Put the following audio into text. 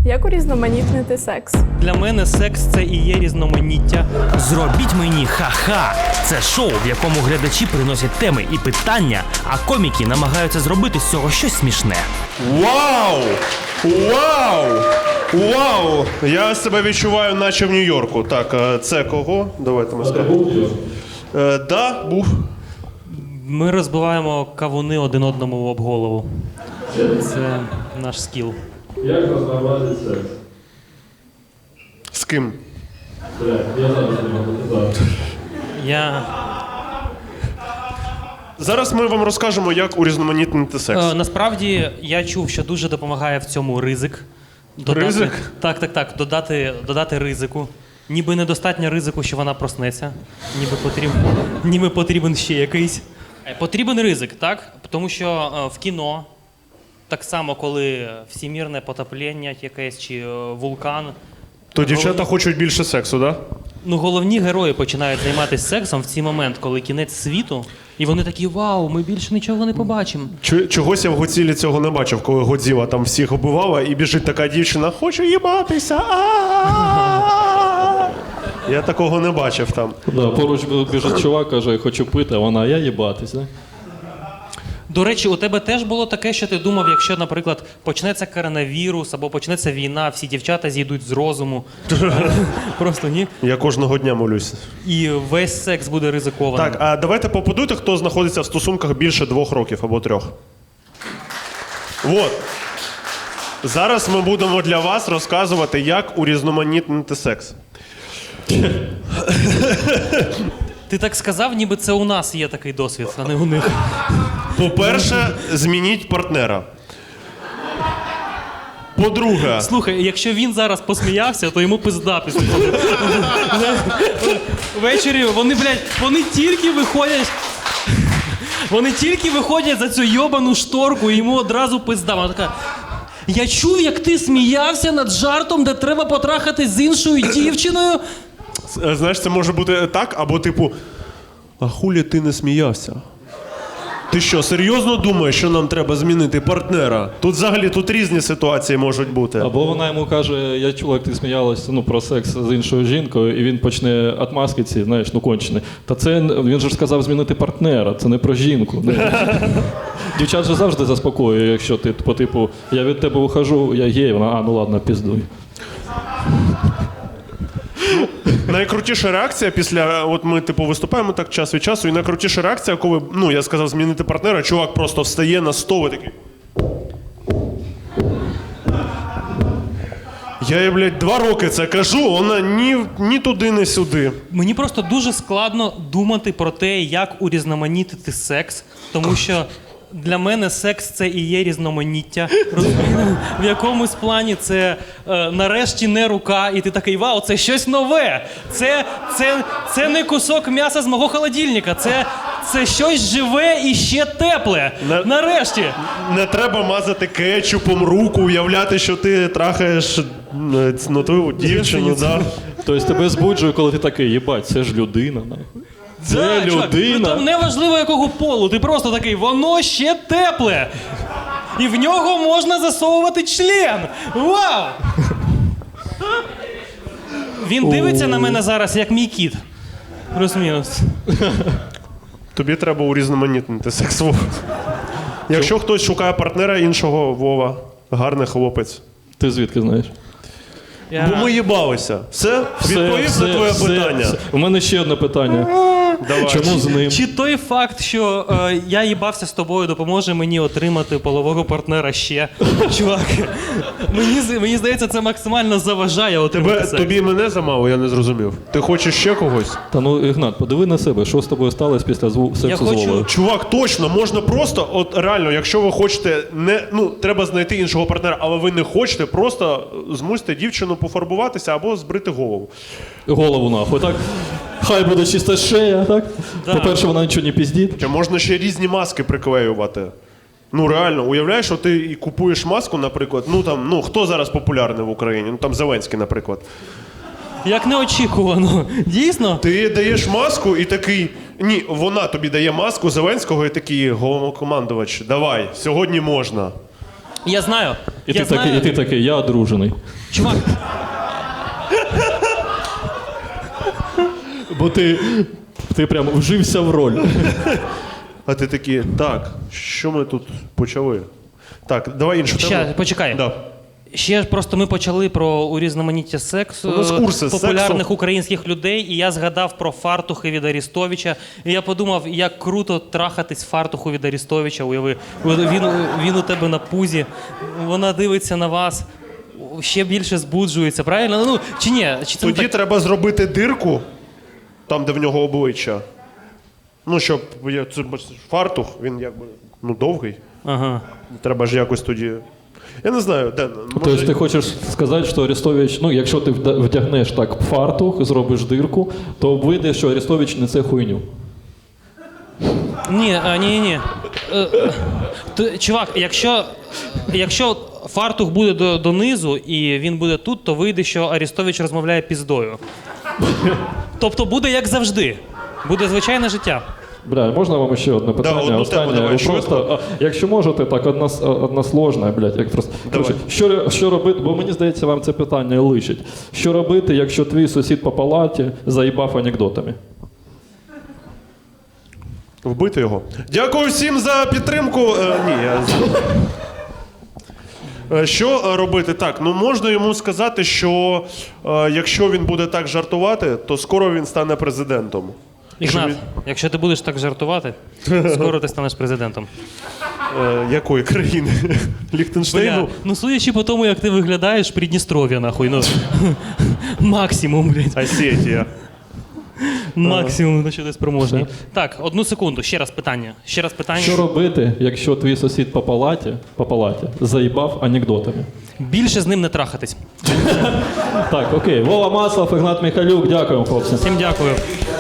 Як урізноманітнити секс? Для мене секс – це і є різноманіття. Зробіть мені ха-ха! Це шоу, в якому глядачі приносять теми і питання, а коміки намагаються зробити з цього щось смішне. Вау! Вау! Вау! Я себе відчуваю, наче в Нью-Йорку. Так, це кого? Давайте ми скажемо. Да, був. Ми розбиваємо кавуни один одному об голову. Це наш скіл. Як розмовляти секс? З ким? Я зараз не можу сказати. Зараз ми вам розкажемо, як урізноманітнити секс. Насправді, я чув, що дуже допомагає в цьому ризик. Ризик? Так. Додати ризику. Ніби недостатньо ризику, що вона проснеться. Ніби потрібен ще якийсь. Потрібен ризик, так? Тому що в кіно, так само, коли всемірне потоплення якесь чи вулкан. То дівчата хочуть більше сексу, так? Да? Ну, головні герої починають займатися сексом в цей момент, коли кінець світу, і вони такі: вау, ми більше нічого не побачимо. Чогось я в Годзілі цього не бачив, коли Годзіла там всіх убивала, і біжить така дівчина: хочу їбатися. Я такого не бачив там. Да, поруч біжить чувак, каже, хочу пити, а вона, я їбатись, да? До речі, у тебе теж було таке, що ти думав, якщо, наприклад, почнеться коронавірус або почнеться війна, всі дівчата зійдуть з розуму. Просто ні. Я кожного дня молюсь. І весь секс буде ризикованим. Так, а давайте поаплодуйте, хто знаходиться в стосунках більше 2 років або 3. Вот. Зараз ми будемо для вас розказувати, як урізноманітнити секс. Ти так сказав, ніби це у нас є такий досвід, а не у них. По-перше, змініть партнера. По-друге... Слухай, якщо він зараз посміявся, то йому пизда після цього. Ввечері вони тільки виходять за цю йобану шторку, і йому одразу пизда. Вона така: я чув, як ти сміявся над жартом, де треба потрахатись з іншою дівчиною. Знаєш, це може бути так, або типу: а хулі ти не сміявся? Ти що, серйозно думаєш, що нам треба змінити партнера? Тут різні ситуації можуть бути. Або вона йому каже, я чула, як ти сміялась про секс з іншою жінкою, і він почне отмазки ці, знаєш, кончений. Та це, він же ж сказав змінити партнера, це не про жінку. Дівчат же завжди заспокоює, якщо ти по типу, я від тебе ухожу, я гей, вона, ну ладно, піздуй. Найкрутіша реакція після, от ми виступаємо так час від часу, і найкрутіша реакція, коли, я сказав змінити партнера, чувак просто встає на стол і такий: я їй, блядь, 2 роки це кажу, вона ні туди, ні сюди. Мені просто дуже складно думати про те, як урізноманітити секс, тому що для мене секс – це і є різноманіття. В якомусь плані це нарешті не рука, і ти такий: вау, це щось нове. Це не кусок м'яса з мого холодильника, це щось живе і ще тепле. Нарешті. Не треба мазати кетчупом руку, уявляти, що ти трахаєш твою дівчину. Да? Тобто тебе збуджує, коли ти такий, їбать, це ж людина, нахуй. Це людина. Там неважливо якого полу, ти просто такий: воно ще тепле. І в нього можна засовувати член. Вау! Він дивиться на мене зараз, як мій кіт. Плюс-мінус. Тобі треба урізноманітнити секс, Вова. Якщо хтось шукає партнера іншого, Вова, гарний хлопець. Ти звідки знаєш? Бо ми їбалися. Все? Відповів на твоє питання? У мене ще одне питання. Давай. Чому з ним? Чи той факт, що я їбався з тобою, допоможе мені отримати полового партнера ще? Чувак, мені здається, це максимально заважає отримати секс. Тобі мене замало, я не зрозумів. Ти хочеш ще когось? Та Ігнат, подиви на себе, що з тобою сталося після сексу з Вовою? Чувак, точно, можна просто, от реально, якщо ви хочете, треба знайти іншого партнера, але ви не хочете, просто змусьте дівчину пофарбуватися або збрити голову. Голову нахуй, так? Хай буде чиста шея, так? Да. По-перше, вона нічого не піздить. Чи можна ще різні маски приклеювати? Реально, уявляєш, що ти і купуєш маску, наприклад, хто зараз популярний в Україні? Зеленський, наприклад. Як неочікувано. Дійсно? Ти даєш маску і такий: ні, вона тобі дає маску Зеленського і такий: головнокомандувач, давай, сьогодні можна. Я знаю. І Я знаю- ти такий, я одружений. Чувак, Бо ти прям вжився в роль. А ти такий, так, що ми тут почали? Так, давай іншу тему. ще, почекай. Да. Ще ж просто ми почали про урізноманіття сексу У нас курси з популярних сексу. українських людей, і я згадав про фартухи від Арістовича. І я подумав, як круто трахатись в фартуху від Арістовича. Уяви, він у тебе на пузі, вона дивиться на вас, ще більше збуджується, правильно? Ну, чи ні? Чи це не Тоді так? треба зробити дирку, там, де в нього обличчя. Ну, щоб це фартух, він якби довгий. Ага. Треба ж якось тоді. Я не знаю, Ден, Тобто ти хочеш сказати, що Арестович, ну якщо ти вдягнеш так фартух, зробиш дирку, то вийде, що Арестович несе хуйню. Ні. Чувак, якщо фартух буде донизу і він буде тут, то вийде, що Арістович розмовляє піздою. Тобто буде як завжди. Буде звичайне життя. Бля, можна вам ще одне питання? одну тему Останнє. давай, Ви швидко. просто, якщо можете, так односложне, блядь, як просто. Давай. Коротше, що робити, бо мені здається, вам це питання личить. Що робити, якщо твій сусід по палаті заїбав анекдотами? Вбити його. Дякую всім за підтримку. Що робити? Так, ну можна йому сказати, що якщо він буде так жартувати, то скоро він стане президентом. Ігнат, Що якщо ти будеш так жартувати, скоро ти станеш президентом. Якої країни? Ліхтенштейну? Бля, ну судячи по тому, як ти виглядаєш, Придністров'я, нахуй, ну. Максимум, блядь. Осетія. Максимум, на що ти спроможний. Так, одну секунду, ще раз питання. Що робити, якщо твій сусід по палаті заїбав анекдотами? Більше з ним не трахатись. Так, окей. Вова Маслов, Ігнат Михайлюк, дякуємо, хлопці. Всім дякую.